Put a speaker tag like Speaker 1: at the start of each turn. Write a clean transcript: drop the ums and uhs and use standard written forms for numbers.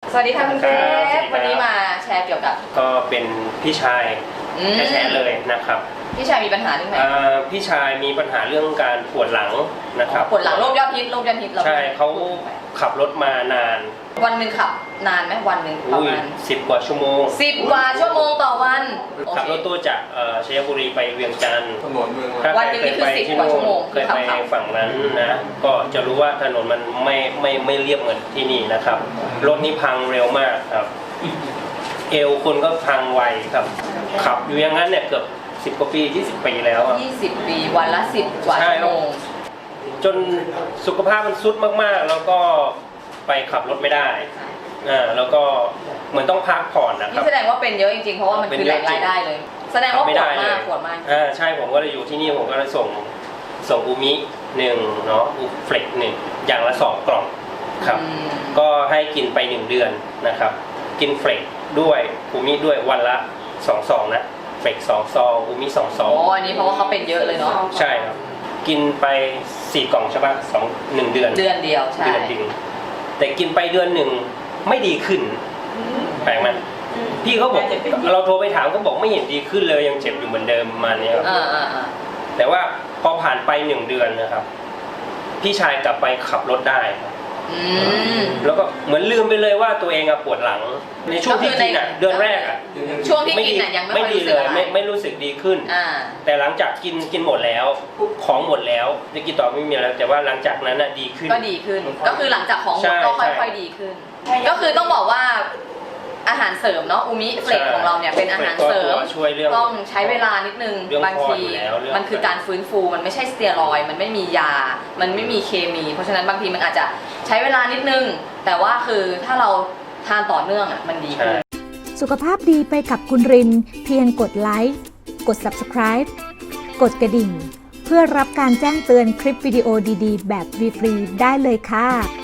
Speaker 1: สวัสดีค่ะคุณเกรฟวันนี้มาแชร์เกี่ยวกับ
Speaker 2: ก็เป็นพี่ชายแท้ๆเลยนะครับ
Speaker 1: พี่ชายมีปัญหาเรื่องไหน
Speaker 2: พี่ชายมีปัญหาเรื่องการปวดหลังนะครับ
Speaker 1: ปวดหลังโรคยอดฮิต
Speaker 2: ใช่เขาขับรถมานาน
Speaker 1: วันหนึ่งขับนานไหมวันหนึ่งประมาณ
Speaker 2: 10 กว่าชั่วโมง
Speaker 1: 10 กว่าชั่วโมงต่อวัน
Speaker 2: ขับรถตู้จากชัยบุรีไปเวียงจันทร์
Speaker 3: ถนนเมือง
Speaker 1: วันหนึ่งนี่คือ10 กว่าชั่วโมง
Speaker 2: เคยไปฝั่งนั้นนะก็จะรู้ว่าถนนมันไม่เรียบเหมือนที่นี่นะครับรถนี่พังเร็วมากครับเอวคนก็พังไวครับขับอยู่อย่างนั้นเนี่ยเกือบ10 กว่าปี20 ปีแล้ว
Speaker 1: 20 ปีวันละ10 กว่าชั่วโมง
Speaker 2: จนสุขภาพมันทรุดมากๆแล้วก็ไปขับรถไม่ได้แล้วก็เหมือนต้องพักผ่อนนะครับ
Speaker 1: นี่แสดงว่าเป็นเยอะจริงๆเพราะว่ามันคือแหล่งรายได้เลยแสดงว่าปวดมาก
Speaker 2: ใช่ผมก็เลยอยู่ที่นี่ผมก็เลยส่งอูมิ1เนาะอูเฟล็ก1อย่างละ2 กล่องครับก็ให้กินไป1 เดือนนะครับกินเฟล็กด้วยอูมิด้วยวันละ2 ซองนะเฟล็ก2 ซองอูมิ2 ซอง
Speaker 1: อันนี้เพราะว่าเขาเป็นเยอะเลยเนาะ
Speaker 2: ใช่ครับกินไป4 กล่องใช่ปะ1 เดือน
Speaker 1: เดียวใช่
Speaker 2: แต่กินไปเดือนหนึ่งไม่ดีขึ้นแปลกไหมพี่เขาบอกเราโทรไปถามเขาบอกไม่เห็นดีขึ้นเลยยังเจ็บอยู่เหมือนเดิมมาเนี้ยครับแต่ว่าพอผ่านไป1 เดือนนะครับพี่ชายกลับไปขับรถได้แล้วก็เหมือนลืมไปเลยว่าตัวเองปวดหลังในช่วงที่กินเดือนแรก
Speaker 1: ช่วงที่กินยังไม่
Speaker 2: ดีเลยไม่รู้สึกดีขึ้นแต่หลังจากกินหมดแล้วของหมดแล้วจะกินต่อไม่มีแล้วแต่ว่าหลังจากนั้นดีขึ้น
Speaker 1: ก็คือหลังจากของหมดก็ค่อยๆดีขึ้นก็คือต้องบอกว่าอาหารเสริมเนาะอูมิเฟลกของเราเนี่ยเป็นอาหารเสริมต้องใช้เวลานิดนึงบางทีมันคือการฟื้นฟูมันไม่ใช่สเตียรอยด์มันไม่มียามันไม่มีเคมีเพราะฉะนั้นบางทีมันอาจจะใช้เวลานิดนึงแต่ว่าคือถ้าเราทานต่อเนื่องมันดีขึ้น
Speaker 4: สุขภาพดีไปกับคุณรินเพียงกดไลค์กด Subscribe กดกระดิ่งเพื่อรับการแจ้งเตือนคลิปวิดีโอดีๆแบบฟรีๆได้เลยค่ะ